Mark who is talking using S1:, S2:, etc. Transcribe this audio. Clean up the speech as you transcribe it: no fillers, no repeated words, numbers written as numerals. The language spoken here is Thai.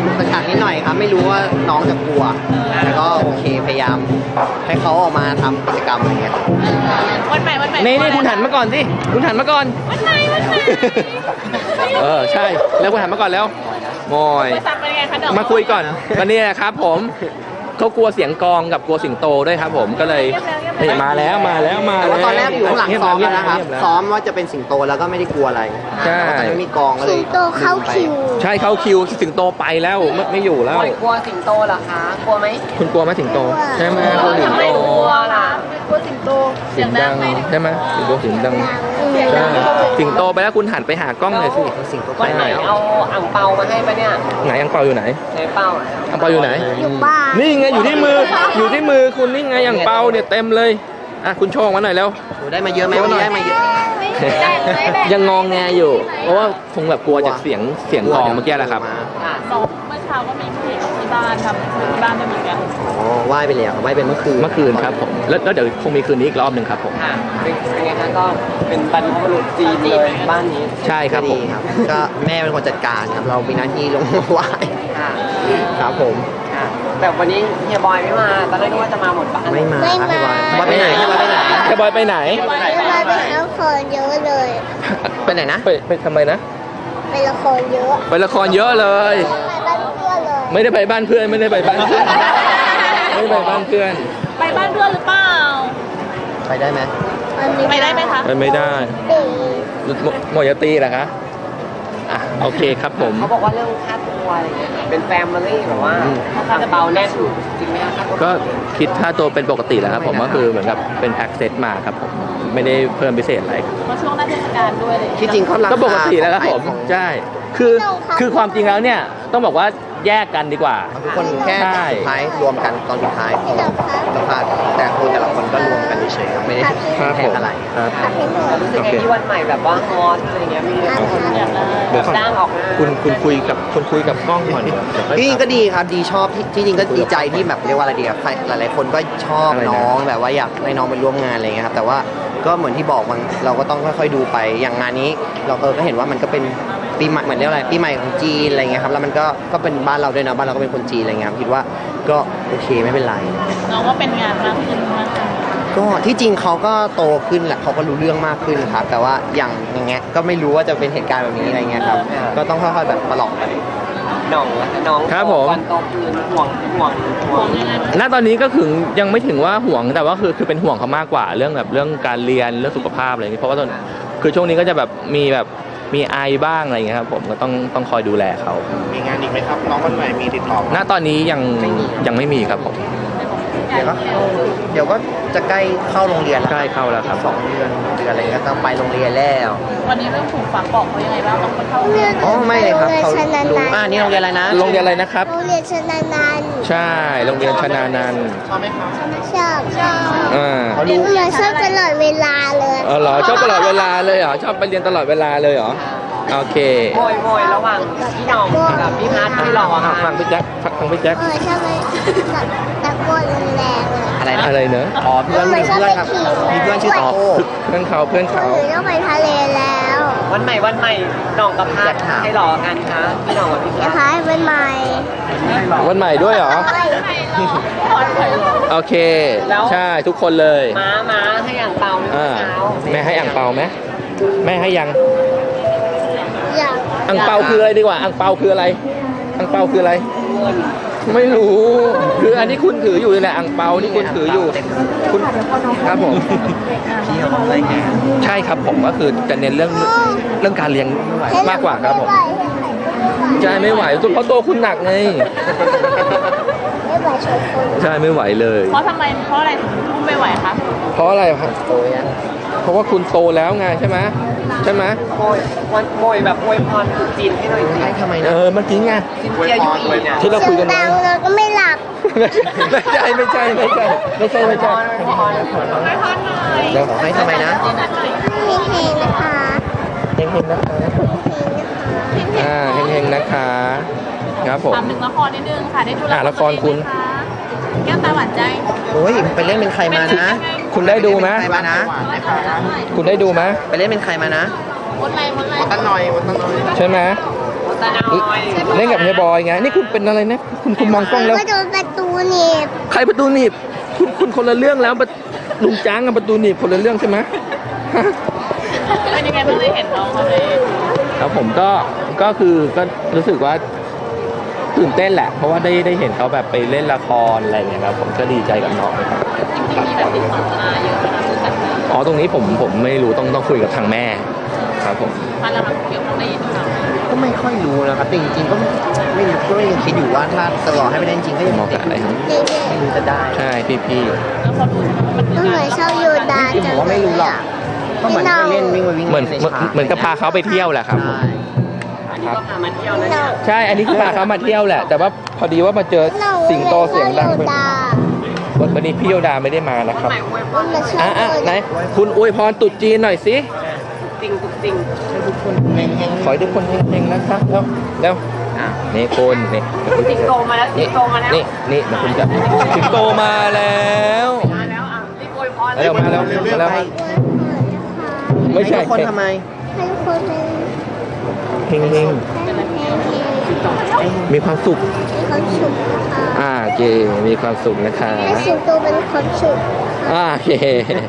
S1: กขักนิดหน่อยครับไม่รู้ว่าน้องจะกลัวแต่ก็โอเคพยายามให้เขาออกมาทำกิจกรรมอะไรเงี้ยครับ
S2: วันใหม่
S3: นี่คุณหันมาก่อนสิคุณหันมาก่อน
S2: วันใหม่
S3: ใช่แล้วคุณหันมาก่อนแล้วโมย
S2: ไปซักเป็นไงคะเดี๋ยว
S3: มาคุยก่อนวันนี้ครับผมเขากลัวเสียงกลองกับกลัวสิงโตด้วยครับผมก็เลยนี่มาแล้ว
S1: แต่ว่าตอนแรกอยู่ข้างหลังซ้อมแล้วนะครับ
S3: เงียบๆ
S1: ซ้อมว่าจะเป็นสิงโตแล้วก็ไม่ได้กลัวอะไร
S3: ใช่
S1: แต่ว่าตอนนี้มีกองก็เลย
S4: สิงโตเข้าคิว
S3: ใช่เข้าคิวสิงโตไปแล้วไม่อยู่แล้ว
S5: กลัวสิงโตเหรอคะ กลัวไหม
S3: คุณกลัวไหมสิงโตใช่ไหมกลัวสิง
S5: ทำไม
S3: โต
S5: กลัวล่ะ
S2: กลัวสิงโต
S3: เสียงดังใช่ไหมสิงโตเสียงดังใช่สิงโตไปแล้วคุณหันไปหากล้องหน่อยสิ
S1: สิงโตไป
S5: วันไหน
S1: แล้ว
S5: เอาอ่างเปามาให้ปะเนี่ย
S3: ไหนอังเปาอยู่ไหน
S5: ใช้เปา
S3: อังเปาอยู่ไหน
S4: อยู่บ้าน
S3: นี่ไงอยู่ที่มือคุณนี่ไงอังเปาเนี่ยเต็มเลยอ่ะคุณโชว์มาหน่อยแล้ว
S1: หนูได้มาเยอะไหมวันนี้ได้มาเยอะ
S3: ยังงองแงอยู่ เพราะว่าคงแบบกลัวจากเสียงกลองเมื่อกี้แหละครับ
S5: ค่ะ
S2: ซ้อมเมื่อเช้าก็มีเพลงที่บ้านทำที่บ้านจะมีกัน
S1: อ๋อไหว้ไปแล้วไหว้เป็นเมื่อคืน
S3: ครับผมแล้วเดี๋ยวคงมีคืนนี้อีกรอบหนึ่งครับผม
S5: ค่ะเป็นไงคะก็เป็นบรรพบุรุษจีนเลยบ้านนี้
S3: ใช่ครับผ
S1: ดี
S3: ม
S1: ครับก็แม่เป็นคนจัดการครับเรามีหน้าที่ลงมาไหว้
S5: ค่ะ
S1: ครับผม
S5: ค่ะ แต่วันนี้เฮียบอยไม่มา ตอนแรกนึกว่าจะมาหมดบ้าน
S1: ไม่มา
S4: ไม่
S1: ครับ
S4: มา
S1: พี่บอยไปไหนพี่บอยไปไหน
S3: แค่บอยไปไหน
S4: เวลาไปละครเยอะเลย
S1: ไปไหนนะ
S3: ไปทำไมนะ
S4: ไปละครเยอะ
S3: ไปละครเยอะเลย
S4: ไปบ้านเพื่อนเลย
S3: ไม่ได้ไปบ้านเพื่อนไม่ได้ไปบ้านเพื่อน
S2: ไปบ้านเพื่อนหรือเปล่า
S1: ไปได้ไหม
S2: ไปได้ไหมคะ
S3: ไปไม่ได้
S4: ดี
S3: หมอยาตีเหรอคะอ่ะโอเคครับผม
S5: เขาบอกว่าเรื่องค่าตัวอะไรเงี้ยเป็นแฟมิลี่แบบว่าอ่างเปาแน่นจริงไหมคะ
S3: ก็คิดค่าตัวเป็นปกติแล้วครับผมก็คือเหมือนกับเป็นแพ็กเซตมาครับผมไม่ได้เพิ่มพิเศษอะไรครับ
S2: เพราะช่วงหน้าเทศกาลด้วยเลย
S1: ที่จริงเขาราคา
S3: ก็ปกติแล้วครับผม
S1: ของ
S3: ใช่คือความจริงแล้วเนี่ยต้องบอกว่าแยกกันดีกว่า
S1: ทุกคนแค่
S3: ใช่
S1: สุดท้ายรวมกันตอนสุดท้ายของสัมภาษณ์แต่คนแต่ละคนก็รวมกันเฉยๆครับไม่ได้
S3: ครับ
S1: แพ
S3: ผ
S1: ง
S3: ม
S1: อะไร
S3: ครับ
S4: ขับให้หน่อย
S5: รู้สึกไงที่วันใหม่แบบว่าฮอตอะไรเงี้ยมีคน
S2: อยากได้
S3: เดี๋ยวก่อน
S5: จ้างออกงาน
S3: คุณคุยกับกล้องก่อนเดี๋ยวค่อย
S1: ที่จริง
S3: ถาม
S1: ก็ดีครับดีชอบที่จริงก็ดีใจที่แบบเรียกว่าอะไรดีอะใครหลายๆคนก็ชอบ
S3: อะไรนะ
S1: น้องแบบว่าอยากให้น้องไปร่วมงานอะไรเงี้ยครับแต่ว่าก็เหมือนที่บอกมันเราก็ต้องค่อยๆดูไปอย่างงานนี้เราก็เห็นว่ามันก็เป็นปีใหม่เหมือนเรียกว่าอะไรปีใหม่ของจีนอะไรเงี้ยครับแล้วมันก็เป็นบ้านเราด้วยนะบ้านเราก็เป็นคนจีนอะไรเงี้ยครับคิดว่าก็โอเคไม่เป็นไร
S2: น้องว่าเป็นงานมากขึ้นมากขึ้น
S1: ก็ที่จริงเขาก็โตขึ้นแหละเขาก็รู้เรื่องมากขึ้นครับแต่ว่าอย่างเงี้ยก็ไม่รู้ว่าจะเป็นเหตุการณ์แบบนี้อะไรเงี้ยครับก็ต้องค่อยๆแบบประหลอกไป
S5: น้องน้อง
S3: ครับผม
S5: วันโตคืนห่วง
S3: ณตอนนี้ก็ถึงยังไม่ถึงว่าห่วงแต่ว่าคือเป็นห่วงเขามากกว่าเรื่องการเรียนเรื่องสุขภาพอะไรอย่างนี้เพราะว่าตอนคือช่วงนี้ก็จะแบบมีไอบ้างอะไรอย่างเงี้ยครับผมก็ต้องคอยดูแลเขา
S6: มีงานอีกไหมครับ น้องวันใหม่มีติดต่อ
S3: ณตอนนี้ยังไม่มีครับผม
S1: เดี๋ยวก็จะใกล้เข้าโรงเรียนแล้ว
S3: ใกล้เข้าแล้วครับ
S1: 2 เดือนอะไรก็ต้องไปโรงเรียนแล้ว
S2: วันนี้เรื่องถูกฝากบอกเขายังไงบ้างต้องเข้า
S1: อ๋อไม่เลยครับเขา
S4: โรงเรียนชนา
S1: รู้
S4: นันท์
S1: นี่โรงเรียนอะไรนะ
S3: โรงเรียนอะไรนะครับ
S4: โรงเรียนชนานันท์
S3: ใช่โรงเรียนชนานันท์
S4: ชอบ
S3: อ่า
S1: เขารู้
S4: เราชอบตลอดเวลาเลย
S3: เหรอชอบตลอดเวลาเลยเหรอชอบไปเรียนตลอดเวลาเลยเหรอโอเค
S5: โวยระหว่างพี่น้องกับพี่พัทพี่หล่อ
S3: อ่ะ
S5: ค่ะ
S3: ฟังพี่แจ็คฟังพี่แจ็ค
S4: ชอบไปตะโกนแรงๆเลย
S1: อะไรนะ
S3: อะไรเนอะ
S1: อ๋อเพื่อนครับมีเพื่อนชื่อโต
S3: เพื่อนเขา
S4: หนูต้องไปทะเลแล้ว
S5: วันใหม่น้องกับพัทให้หล่อกันคะพี่น้องกับพี่
S4: เดี๋
S5: พั
S4: ยว
S5: ท
S4: พาไปใหม่
S3: วันใหม่ด้วยเหรอโอเคใช่ทุกคนเลย
S5: ม้าให้อ่างเปาเมื่อเช้า
S3: แม่ให้อ่างเปาไหมแม่ให้ยัง
S4: อยาก
S3: อ่างเปาคืออะไรดีกว่าอ่างเปาคืออะไรอ่างเปาคืออะไร ไม่รู้คืออันนี้คุณถืออยู่นี่แหละอ่างเปานี่คุณถืออยู่คุณครับผม
S1: พี่เขาอะไรเงี้ย
S3: ใช่ครับผมก็คือจะเน้นเรื่องการเรียนมากกว่าครับผมใช่ไม่ไหวเพราะตัวคุณหนักไง
S4: ไม่ไหวชนคน
S3: ใช่ไม่ไหวเลย
S2: เพราะอะไรถึงอุ้มไม่ไหวคะ
S3: เพราะอะไรครับ
S1: โตยัง
S3: เพราะว่าคุณโตแล้วไงใช่ไหม
S5: โวยแบบโวยพรถูกจีนให้หน่อยสิ
S1: ให้ทำไมนะ
S3: เมื่อกี้ไง
S5: ซินเจียยูอีเนี่ย
S3: ที่เราคุยกัน
S4: ดั
S3: ไว้
S4: งเราก็ไม่หลับ
S3: ไม่ใช่เดี๋ยว
S1: ขอให้ทำไมนะ
S4: มีเพลงนะคะ
S3: เฮงๆนะคะเฮงๆนะคะครับผม
S2: ถามถึงละครนิดนึงค่ะได้ดู
S3: ละครคุณ
S2: แก้วตาหวานใจ
S1: โอ้ยไปเล่นเป็นใครมานะ
S3: คุณได้ดูไหม
S1: ใครมานะ
S3: คุณได้ดูไหม
S1: ไปเล่นเป็นใครมานะ
S2: วนไหน
S6: ตั้งหน่อย
S3: ใช่ไหม
S5: ตาน้อย
S3: เล่นกับเฮียบอยไงนี่คุณเป็นอะไรนะคุณมองกล้องแล้ว
S4: ก็โดนประตูหนีบ
S3: ใครประตูหนีบคุณคนละเรื่องแล้วลุงจ้างกับประตูหนีบคนละเรื่องใช่ไหม
S2: เป็นยังไงบ้างได้เห็นน้องเขาใน
S3: แล้วผมก็คือก็รู้สึกว่าตื่นเต้นแหละ เพราะว่าได้เห็นเขาแบบไปเล่นละครอะไรอย่างเงี้ยครับผมก็ดีใจกับน้องครับ
S2: จริงๆมีแบบติดต่อมาเยอะนะรู้จักไหม
S3: อ๋อตรงนี้ผมไม่รู้ต้องคุยกับทางแม่ครับผม
S2: พันแล้วครับเกี่ยวกับได้ยินข่าว
S1: ก็ไม่ค่อยรู้นะครับแต่จริงๆก็ไม่รู้ก็ยังคิดอยู่ว่าถ้าจะรอให้ไม่ได้จริงก็ยัง
S3: มองกับอะไรครับ
S4: เด็ก
S1: ไม่รู้จะได้
S3: ใช่พี่
S2: แล้วพอรู้ใช่ไหมว่ามัน
S4: ๆก็เหมือนชอบโยดา
S1: จริงๆผมว่าไม่รู้หรอกก็เหมือนไปเล่นวิ่งไปวิ่ง
S3: เหมือน
S1: ในฉาก
S3: เหมือนกับพาเขาไปเที่ยวแหละครับผม
S1: ใช่
S5: อันนี้ก็พามาเที่ยวนะเนี่ย
S3: ใช่อันนี้คือพาเขามาเที่ยวแหละ แต่ว่าพอดีว่ามาเจอสิงโตเสียงดัง
S4: โยดา
S3: วันนี้พี่โยดาไม่ได้มานะครับ
S5: ใหม่อวยพ
S4: มั
S5: ร
S4: นมาชอบ
S3: อ่ะ
S4: โย
S3: ไหน
S4: ดา
S3: คุณอวยพรตรุษจีนหน่อยสิ
S5: จริงจริง
S1: ให้ทุกคนเฮง
S3: ขอให้ทุกคนเฮงๆนะครับแล้ว
S1: อ่ะ
S3: นี่คุณนี่
S5: สิงโตมาแล้วสิงโตมาแล้ว
S3: นี่เดี๋ยวคุณจับสิงโตมาแล้ว
S5: มาแล้วอ่ะรีบอวยพร
S3: เร็วมาแล้วมาแล้ว ไม่ใช่
S1: ให้ทุกคนทำไม
S4: ให้คนเป็น
S3: เฮง
S4: ให้
S3: ๆมีความสุข
S4: ความสุขนะคะ
S3: โอเคมีความสุขนะคะ
S4: ให้สิงโตเป็นความสุข
S3: โอเค